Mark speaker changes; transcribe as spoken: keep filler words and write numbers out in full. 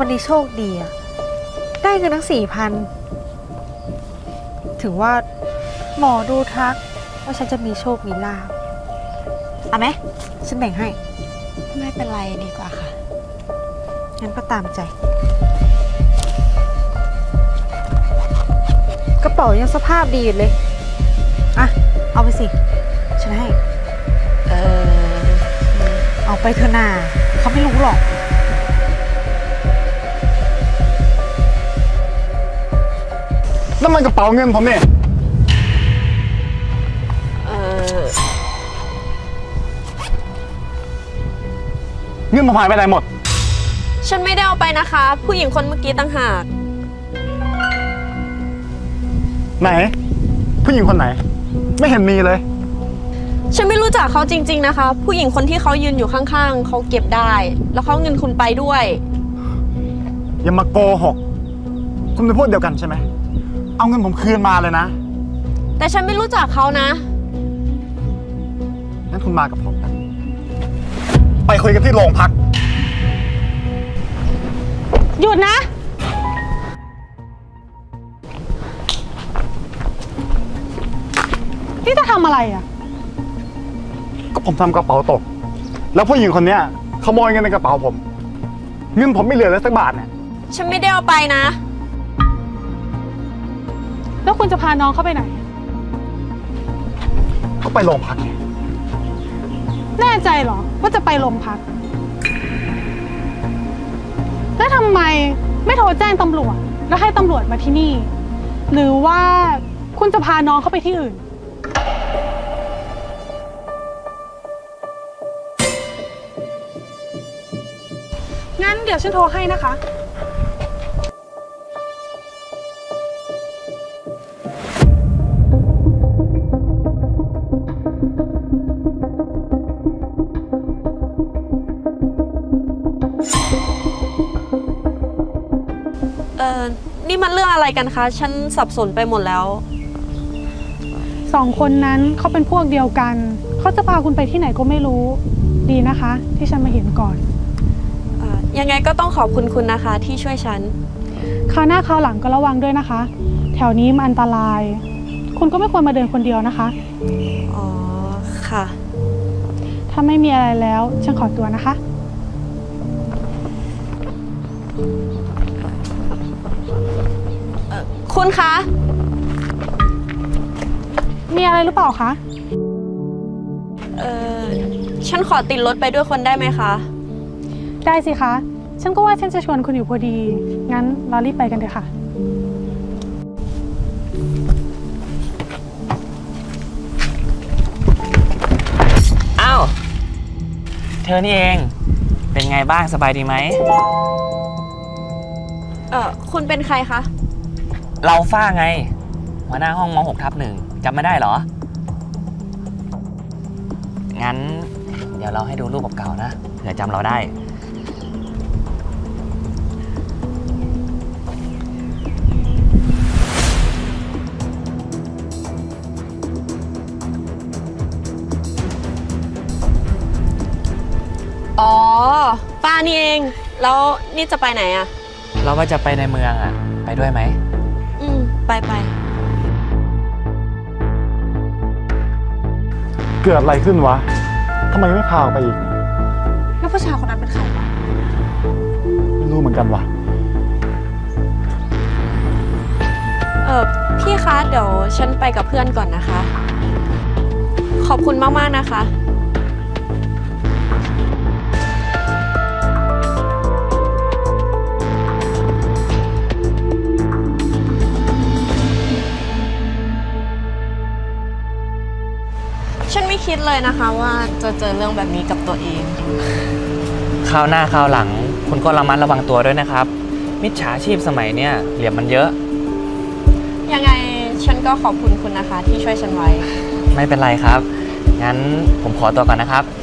Speaker 1: วันนี้โชคดีอะได้เงินทั้งสี่พันถือว่าหมอดูทักว่าฉันจะมีโชคมีลาภเอาไหมฉันแบ่งให้
Speaker 2: ไม่เป็นไรดีกว่าค่ะ
Speaker 1: งั้นก็ตามใจกระเป๋ายังสภาพดีอยู่เลยอ่ะเอาไปสิฉันให้
Speaker 2: เออ
Speaker 1: เอาไปเถอะนาเขาไม่รู้หรอก
Speaker 3: นั่นมันกระเป๋าเงินผมเนี่ย
Speaker 2: เออ
Speaker 3: เงินผมหายไปไหนหมด
Speaker 2: ฉันไม่ได้เอาไปนะคะ ผู้หญิงคนเมื่อกี้ต่างหาก
Speaker 3: ไหนผู้หญิงคนไหนไม่เห็นมีเลย
Speaker 2: ฉันไม่รู้จักเขาจริงๆนะคะผู้หญิงคนที่เขายืนอยู่ข้างๆเขาเก็บได้แล้วเขาเงินคุณไปด้วย
Speaker 3: อย่ามาโกหกคุณเป็นพวกเดียวกันใช่ไหมเอาเงินผมคืนมาเลยนะ
Speaker 2: แต่ฉันไม่รู้จักเขานะ
Speaker 3: งั้นคุณมากับผมนะไปคุยกันที่โรงพัก
Speaker 1: หยุดนะนี่จะทำอะไรอ่ะ
Speaker 3: ก็ผมทำกระเป๋าตกแล้วผู้หญิงคนนี้ขโมยเงินในกระเป๋าผมเงินผมไม่เหลือเลยสักบาทเนี่ย
Speaker 2: ฉันไม่ได้เอาไปนะ
Speaker 1: แล้วคุณจะพาน้องเข้าไปไหน
Speaker 3: ก็ไปโรงพักไง
Speaker 1: แน่ใจเหรอว่าจะไปโรงพักแล้วทำไมไม่โทรแจ้งตำรวจแล้วให้ตำรวจมาที่นี่หรือว่าคุณจะพาน้องเข้าไปที่อื่นงั้นเดี๋ยวฉันโทรให้นะคะ
Speaker 2: เออนี่มันเรื่องอะไรกันคะฉันสับสนไปหมดแล้ว
Speaker 1: สองคนนั้นเขาเป็นพวกเดียวกันเขาจะพาคุณไปที่ไหนก็ไม่รู้ดีนะคะที่ฉันมาเห็นก่อน
Speaker 2: ยังไงก็ต้องขอบคุณคุณนะคะที่ช่วยฉัน
Speaker 1: คราวหน้าคราวหลังก็ระวังด้วยนะคะแถวนี้มันอันตรายคุณก็ไม่ควรมาเดินคนเดียวนะคะ
Speaker 2: อ๋อค่ะ
Speaker 1: ถ้าไม่มีอะไรแล้วฉันขอตัวนะคะ
Speaker 2: คุณคะ
Speaker 1: มีอะไรหรือเปล่าคะ
Speaker 2: เออฉันขอติดรถไปด้วยคนได้ไหมคะ
Speaker 1: ได้สิคะฉันก็ว่าฉันจะชวนคุณอยู่พอดีงั้นเรารีบไปกันเถอะค่ะ
Speaker 4: อ้าวเธอนี่เองเป็นไงบ้างสบายดีไหม
Speaker 2: เออคุณเป็นใครคะ
Speaker 4: เราฝ้าไงหัวหน้าห้องม หก ทับหนึ่งจำไม่ได้เหรองั้นเดี๋ยวเราให้ดูรูปเก่าๆนะเผื่อจำเราได้
Speaker 2: อ๋อป้านี่เองแล้วนี่จะไปไหนอะ
Speaker 4: เราก็จะไปในเมืองอะไปด้วยไหม
Speaker 2: อืมไปไป
Speaker 3: เกิดอะไรขึ้นวะทำไมไม่พาออกไปอีก
Speaker 1: แล้วผู้ชายคนนั้นเป็นใครวะ
Speaker 3: ไม่รู้เหมือนกันวะ
Speaker 2: เออพี่คะเดี๋ยวฉันไปกับเพื่อนก่อนนะคะขอบคุณมากๆนะคะฉันไม่คิดเลยนะคะว่าจะเจอเรื่องแบบนี้กับตัวเอง
Speaker 4: คราวหน้าคราวหลังคุณก็ระมัดระวังตัวด้วยนะครับมิจฉาชีพสมัยเนี้ยเหลี่ยมมันเยอะ
Speaker 2: ยังไงฉันก็ขอบคุณคุณนะคะที่ช่วยฉันไว้
Speaker 4: ไม่เป็นไรครับงั้นผมขอตัวก่อนนะครับ